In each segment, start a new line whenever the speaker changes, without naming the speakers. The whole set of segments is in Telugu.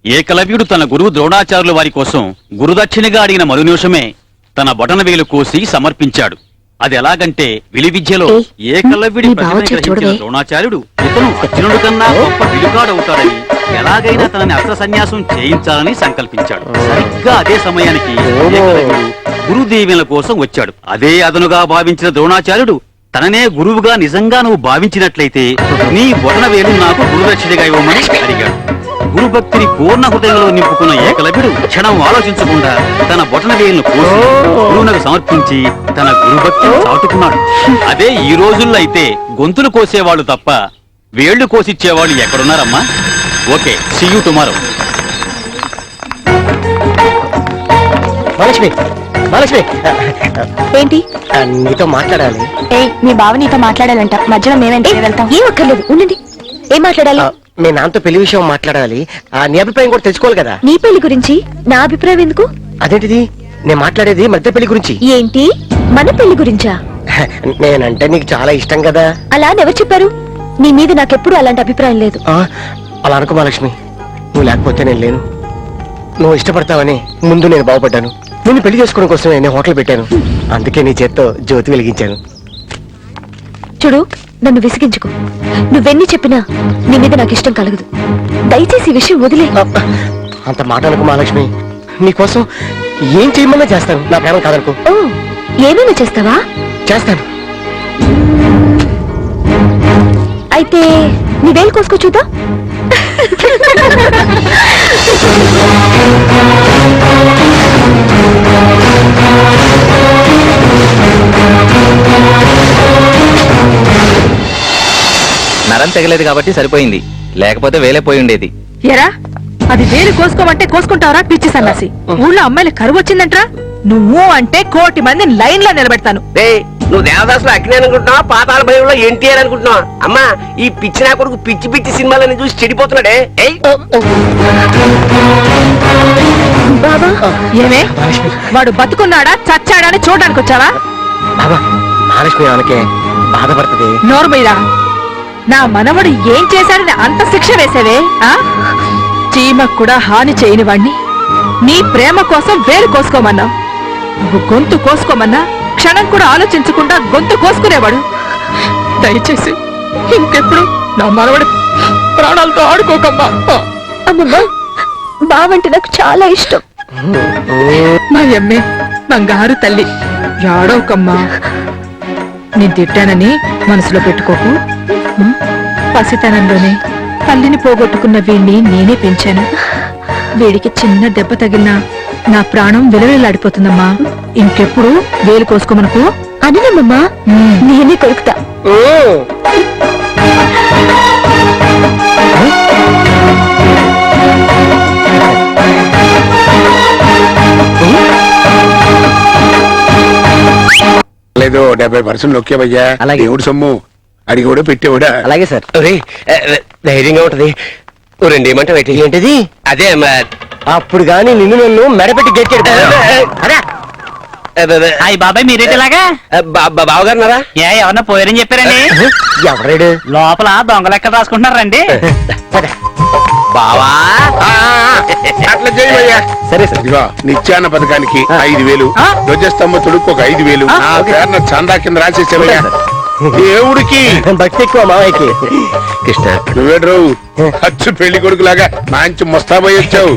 ఏకలవ్యుడు తన గురువు ద్రోణాచార్యుల వారి కోసం గురుదక్షిణగా అడిగిన మరు నిమిషమే తన బొటనవేలు కోసి సమర్పించాడు. అది ఎలాగంటే విలువిద్యలో ఏకలవ్యుడి ప్రతిభను గ్రహించిన ద్రోణాచార్యుడు ఇతను అర్జునుడి కన్నా గొప్ప విలుకాడవుతాడని ఎలాగైనా తనని అస్త్ర సన్యాసం చేయించాలని సంకల్పించాడు. సరిగ్గా అదే సమయానికి ఏకలవ్యుడు గురుదీవెనల కోసం వచ్చాడు. అదే అదనుగా భావించిన ద్రోణాచార్యుడు తననే గురువుగా నిజంగా నువ్వు భావించినట్లయితే నీ బొటనవేలు నాకు గురుదక్షిణగా ఇవ్వమని అడిగాడు. గురుభక్తిని పూర్ణ హృదయంలో నింపుకున్న ఏకలవ్యుడు క్షణం ఆలోచించకుండా తన బొటనవేలును కోసి గురువునకు సమర్పించి తన గురుభక్తిని చాటుకున్నాడు. అదే ఈ రోజుల్లో అయితే గొంతులు కోసేవాళ్ళు తప్ప వేళ్లు కోసిచ్చేవాళ్ళు ఎక్కడున్నారమ్మా? Okay, see you tomorrow.
Mahalakshmi, Mahalakshmi,
ఏంటి?
నీతో మాట్లాడాలి.
మీ బావ నీతో మాట్లాడాలంట. మధ్యలో మేమేంటి వెళ్తాం? ఏం అక్కర్లేదు, ఉండండి. ఏం మాట్లాడాలి?
మీ నాన్నతో పెళ్లి విషయం మాట్లాడాలి. నీ అభిప్రాయం కూడా తెలుసుకోవాలి కదా.
నీ పెళ్లి గురించి నా అభిప్రాయం ఎందుకు?
అదేంటిది? నేను మాట్లాడేది మధ్య పెళ్లి గురించి.
ఏంటి? మన పెళ్లి గురించా?
నేనంటే నీకు చాలా ఇష్టం కదా.
అలా అని ఎవరు చెప్పారు? నీ మీద నాకెప్పుడు అలాంటి అభిప్రాయం లేదు.
అలా అనుకో మహాలక్ష్మి, నువ్వు లేకపోతే నేను లేను. నువ్వు ఇష్టపడతావని ముందు నేను బాగుపడ్డాను. నేను పెళ్లి చేసుకోవడం కోసమే నేను హోటల్ పెట్టాను. అందుకే నీ చేత్తో జ్యోతి వెలిగించాను.
చూడు, నన్ను విసిగించుకో. నువ్వెన్ని చెప్పినా నీ మీద నాకు ఇష్టం కలగదు. దయచేసి ఈ విషయం వదిలే.
అంత మాట అనుకో మహాలక్ష్మి, నీకోసం ఏం చేయమన్నా చేస్తాను. నా ప్రేమ కాదనుకో.
ఓ, ఏమైనా చేస్తావా?
చేస్తాను.
అయితే నీ వేలు కోసుకో చూద్దాం.
నరం తెగలేదు కాబట్టి సరిపోయింది, లేకపోతే వేలేపోయి ఉండేది.
ఎరా, అది వేలు కోసుకోమంటే కోసుకుంటావరా పిచ్చి సన్నాసి? ఊళ్ళో అమ్మాయిల కరువు వచ్చిందంట్రా. నువ్వు అంటే 1,000,000 మందిని లైన్ లో నిలబెడతాను.
నువ్వు దేవదాసులు అగ్ని అనుకుంటున్నావా, పాతాళ భయంలో ఎన్టీఆర్ అనుకుంటున్నావా? అమ్మా, ఈ పిచ్చి నా కొడుకు పిచ్చి పిచ్చి సినిమాలని చూసి చెడిపోతున్నాడే.
బాబా,
ఏమే, వాడు బతుకున్నాడా చచ్చాడా అని చూడడానికి వచ్చావా?
బాబా, మహాలక్ష్మి ఆమెకే బాధపడుతుంది.
నోరు మీరా, నా మనవడు ఏం చేశాడని అంత శిక్ష వేసేవే? చీమకు కూడా హాని చేయని వాణ్ణి నీ ప్రేమ కోసం వేలు కోసుకోమన్నావు. నువ్వు గొంతు కోసుకోమన్నా క్షణం కూడా ఆలోచించకుండా గొంతు కోసుకునేవాడు. దయచేసి ఇంకెప్పుడు నా మనవడి ప్రాణాలతో ఆడుకోకమ్మా.
అమ్మమ్మ, బావంటే నాకు చాలా ఇష్టం.
మా అమ్మే బంగారు తల్లి, ఏడవకమ్మా. నేను తిట్టానని మనసులో పెట్టుకోకు. పసితనంలోనే తల్లిని పోగొట్టుకున్న వీణ్ణి నేనే పెంచాను. వీడికి చిన్న దెబ్బ తగిలినా నా ప్రాణం విలవిల్లాడిపోతుందమ్మా. ఇంకెప్పుడు వేలు కోసుకోమనుకో.
అనమ్మా, నేనే కొరుకుతా.
లేదు 70% నొక్కేవయ్యా. దేవుడు సొమ్ము అడిగి కూడా పెట్టేవాడా?
అలాగే సార్.
ధైర్యంగా ఉంటది. రెండు ఏమంటావు?
ఏంటిది?
అదే
అప్పుడు గాని నిన్ను నన్ను మెడపెట్టి గెట్టాడు.
బాబాయ్ మీరేలాగా
బావగారున్నారా?
ఎవరన్నా పోయారని చెప్పారండి.
ఎవరాడు?
లోపల దొంగ లెక్క రాసుకుంటున్నారండి.
బావా,
అట్లా చేయవయ్యా.
సరే సార్.
ఇదిగో నిత్యాన్న పథకానికి 5,000, ధ్వజస్తంభ తొడుకు ఒక 5,000 నా పేరున చందా కింద రాసేసేవయ్యా. దేవుడికి
భక్తి ఎక్కువ మావయ్యకి.
కృష్ణ,
నువ్వేడ్రు ఖర్చు పెళ్లి కొడుకులాగా మంచి ముస్తాబోయి వచ్చావు.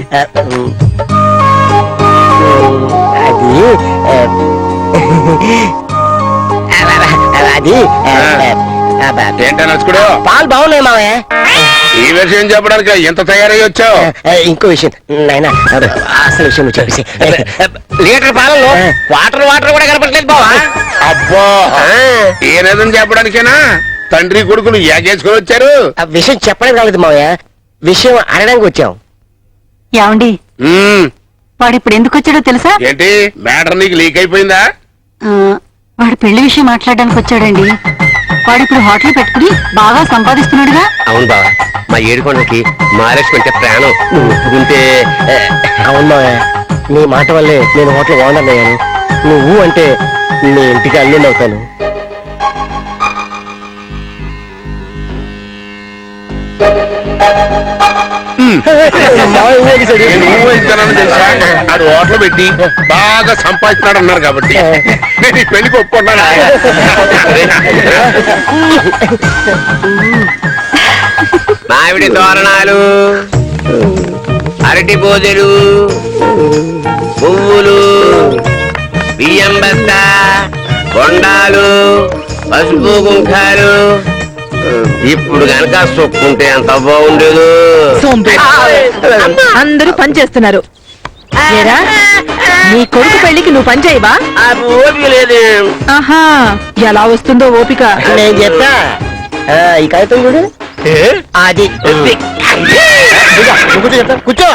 అది
ఏంటో నచ్చుకోడు.
పాలు బాగున్నాయి మావయ్య.
ఈ విషయం చెప్పడానికి ఎంత తయారై వచ్చావు?
ఇంకో విషయం నాయనా, అసలు విషయం నువ్వు చెప్పేసి.
లీటర్ పాలలో వాటర్ కూడా కనపడలేదు బావా.
అబ్బా, ఏనేదని చెప్పడానికేనా తండ్రి కొడుకులు ఏగేసుకొని వచ్చారు?
ఆ విషయం చెప్పడం కాలేదు మావయ్య, విషయం అనడానికి వచ్చాం.
ఏమండి, వాడు ఇప్పుడు ఎందుకు వచ్చాడో తెలుసా?
ఏంటి మ్యాటర్ నీకు లీక్ అయిపోయిందా?
వాడు పెళ్లి విషయం మాట్లాడడానికి వచ్చాడండి. వాడు ఇప్పుడు హోటల్ పెట్టుకుని బాగా సంపాదిస్తున్నాడుగా.
అవును బావా, మా ఏడుకొండకి మహాలక్ష్మి అంటే ప్రాణం. నువ్వు ఒప్పుకుంటే.
అవును మావయ్య, నీ మాట వల్లే నేను హోటల్ ఓనర్ అయ్యాను. నువ్వు అంటే నీ ఇంటికి అల్లుండి అవుతాను. మావయ్య ఊరేగించాడు.
నేను ఊహించానని తెలుసా ఆడు హోటల్ పెట్టి బాగా సంపాదిస్తున్నాడు అన్నారు కాబట్టి నేను ఈ పెళ్లికి ఒప్పుకున్నాను.
మామిడి తోరణాలు, అరటి బోదెలు, పువ్వులు, బియ్యం బస్తా, బొండాలు, పసుపు కుంకాలు. ఇప్పుడు గనక సొక్కుంటే ఎంత బాగుండేదు.
అందరూ పని చేస్తున్నారు. ఏరా, నీ కొడుకు పెళ్లికి నువ్వు పని చేయవా?
ఓపిక లేదు.
ఆహా, ఎలా వస్తుందో ఓపిక.
నేను చెప్తా ఈ కాగితం చూడు అది కూర్చో చెప్తా కూర్చో.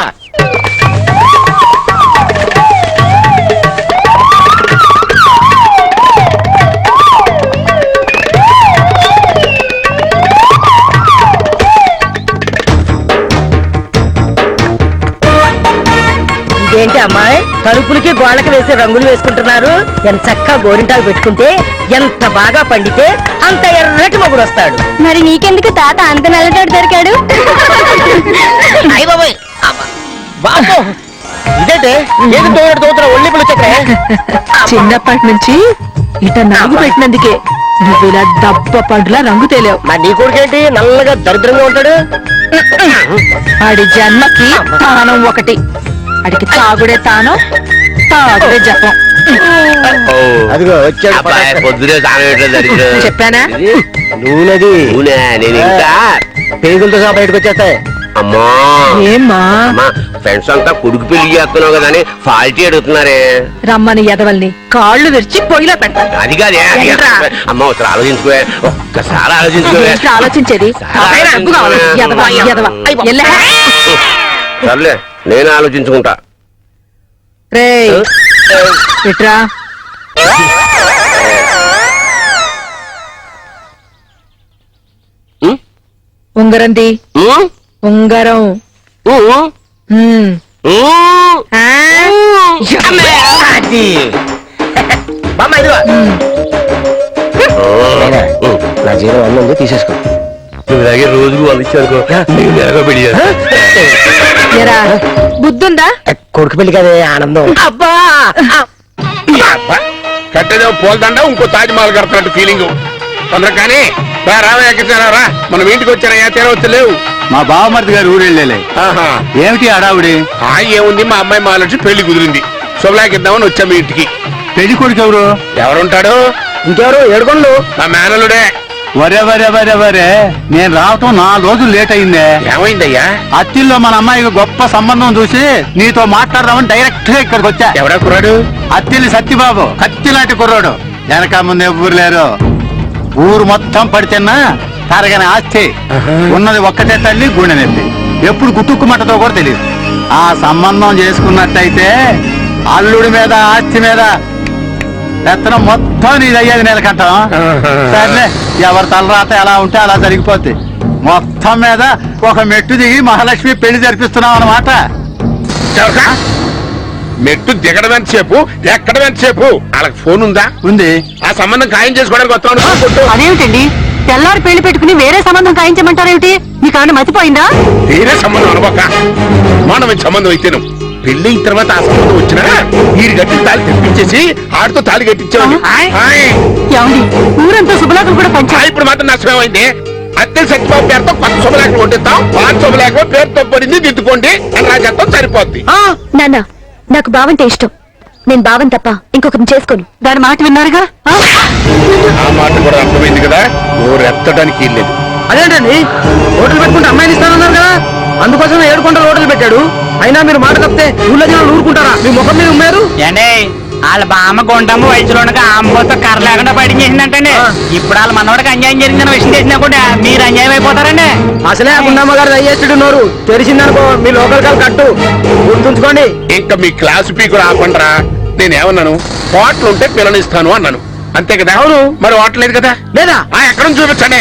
ఇదేంటి అమ్మాయి, తలుపులకి గోళ్ళకి వేసే రంగులు వేసుకుంటున్నారు? ఎంత చక్కగా గోరింటాకు పెట్టుకుంటే ఎంత బాగా పండితే అంత ఎర్రటి మొగుడు వస్తాడు.
మరి నీకెందుకు తాత అంత నల్లటోడు దొరికాడు?
అయ్య బాబోయ్ బాబో ఇదేంటే ఏది తోడుతున్నా ఒళ్ళిపులు చక్రే.
చిన్నప్పటి నుంచి ఇట నలుగు పెట్టినందుకే నువ్వు ఇలా దప్ప పండులా రంగు తేలేవు.
మరి నీ కొడుకేంటి నల్లగా దరిద్రంగా ఉంటాడు?
ఆడి జన్మకి తానం ఒకటి. అడికి తాగుడే తానం, తాగుడే జపం.
అదిగో వచ్చాడు
అబ్బాయి పొద్దునే తాగేట్లేదు.
చెప్పానా?
నూనెది
అవునా, నేను ఇంకా
పేగులతో సహా బయటకు వచ్చేస్తాయి.
అమ్మా
ఏమ్మా
అమ్మా, ఫ్రెండ్స్ అంతా కొడుకు పెళ్లి చేస్తున్నావు కదా అని ఫాల్టీ అడుగుతున్నారే.
రమ్మని ఎదవల్ని కాళ్ళు విరిచి పొయ్యిలో పెడతాను.
అది కాదే
ఏంట్రా?
అమ్మ ఒకసారి ఆలోచించుకోవే, ఒక్కసారి ఆలోచించుకోవే.
ఏంటి ఆలోచించేది? ఆ పైన అగ్గు కావాలి. ఎదవ, ఎదవ. ఎల్లే.
సర్లే నేను ఆలోచించుకుంటా.
రేయ్, ఇట్రా.
ఉం?
ఉంగరంది
ఉం?
ఉంగరం.
ఉం?
ఉమ్.
ఉం?
ఆ?
అది బామ్మ ఇదిగో నాయనా, నా జీరో అన్న ఉంది తీసేసుకో.
నువ్వు ఇలాగే రోజుకు అందించానుకో నేను ఎలాగో పెళ్లి చేస్తా.
ఎరా, బుద్ధుందా?
కొడుకు పెళ్లి కదే ఆనందం.
అబ్బా,
కట్టేదో పోల్దండ ఇంకో తాజ్మహల్ కడుతున్నట్టు ఫీలింగ్. తొందర కానీ రావయ్యా, మనం ఇంటికి వచ్చారయ్యా, తీరవచ్చు లేవు.
మా బావమరిది గారు ఊరెళ్ళలే.
ఆహా.
ఏమిటి అడావుడి?
ఏముంది, మా అమ్మాయి మాలొచ్చి పెళ్లి కుదిరింది, శుభలాకిద్దామని వచ్చాం మీ ఇంటికి.
పెళ్లి కొడుకు ఎవరు?
ఎవరుంటాడు?
ఇంకెవరు ఏడుకొండలు?
మా మేనలుడే.
వరే వరే వరే వరే, నేను రావటం 4 రోజులు లేట్ అయిందే.
ఏమైందయ్యా?
అత్తిల్లో మన అమ్మాయికి గొప్ప సంబంధం చూసి నీతో మాట్లాడదామని డైరెక్ట్ గా ఇక్కడికి వచ్చా.
ఎవడా కుర్రాడు?
అత్తిల్లి సత్యబాబు, కత్తి లాంటి కుర్రాడు. వెనక ముందు ఎవ్వరు లేరు. ఊరు మొత్తం పడితేన్నా తరగని ఆస్తి ఉన్నది ఒక్కటే తల్లి, గుండె నొప్పి. ఎప్పుడు గుట్టుక్కుమంటతో కూడా తెలియదు. ఆ సంబంధం చేసుకున్నట్టయితే అల్లుడి మీద ఆస్తి మీద పెత్తనం మొత్తం నీది అయ్యేది నెలకంటాం. సర్లే, ఎవరి తలరాత ఎలా ఉంటే అలా జరిగిపోద్ది. మొత్తం మీద ఒక మెట్టు దిగి మహాలక్ష్మి పెళ్లి జరిపిస్తున్నాం అన్నమాట.
మెట్టు దిగడం ఎంతసేపు, ఎక్కడం ఎంతసేపు? వాళ్ళకి ఫోన్ ఉందా?
ఉంది.
ఆ సంబంధం ఖాయం చేసుకోవడానికి వస్తాను.
అదేమిటండి, తెల్లారి పెళ్లి పెట్టుకుని వేరే సంబంధం ఖాయించమంటారేమిటి? మీకు ఏమైనా మతిపోయిందా?
వేరే సంబంధం అనుకోక మానవ సంబంధం అయితేను పెళ్లి అయిన తర్వాత ఆ సంబంధం వచ్చినా వీరి గట్టి తాళి తెప్పించేసి ఆడితో తాళి కట్టించామని.
ఏమండి, ఊరంతా శుభలాకులు కూడా పంచారు.
ఇప్పుడు మాత్రం నష్టమేమైంది. అత్తె సత్యబాబు పేరుతో కొత్త శుభలేఖలు కొట్టిస్తాం, పాత శుభలేఖ పేరుతో పడింది దిద్దుకోండి అని రాజేస్తాం, సరిపోద్ది.
నాన్న, నాకు బావంటే ఇష్టం. నేను బావన్ తప్ప ఇంకొకరిని చేసుకోను.
దాని మాట విన్నారుగా.
ఆ మాట కూడా అర్థమైంది కదా, ఊరు ఎత్తడానికి లేదు.
అదేంటండి, హోటల్ పెట్టుకుంటే అమ్మాయిని ఇస్తానన్నారు కదా, అందుకోసం 7 కొండలు హోటల్ పెట్టాడు. అయినా మీరు మాట తప్పితే ఊళ్ళో జనాలు ఊరుకుంటారా? మీ ముఖం మీద ఉమ్మారు.
వాళ్ళ బామ్మ గుంటమ్మ వయసులోనగా అమ్మతో కర్ర లేకుండా బయట చేసిందంటండి. ఇప్పుడు వాళ్ళ మనవాడికి అన్యాయం జరిగిందన్న విషయం తెలిసినా కూడా మీరు అన్యాయం అయిపోతారండి.
అసలే గుండమ్మ గారు అయ్యేస్తుడు నోరు తెరిచిందనుకో మీ లోకల్ కాలు కట్టు, గుర్తుంచుకోండి.
ఇంకా మీ క్లాసు పీకులు ఆపండ్రా. నేనేమన్నాను, హోటల్ ఉంటే పిల్లనిస్తాను అన్నాను, అంతే కదా? అవును. మరి హోటల్ లేదు కదా?
లేదా
ఎక్కడ చూపించండి.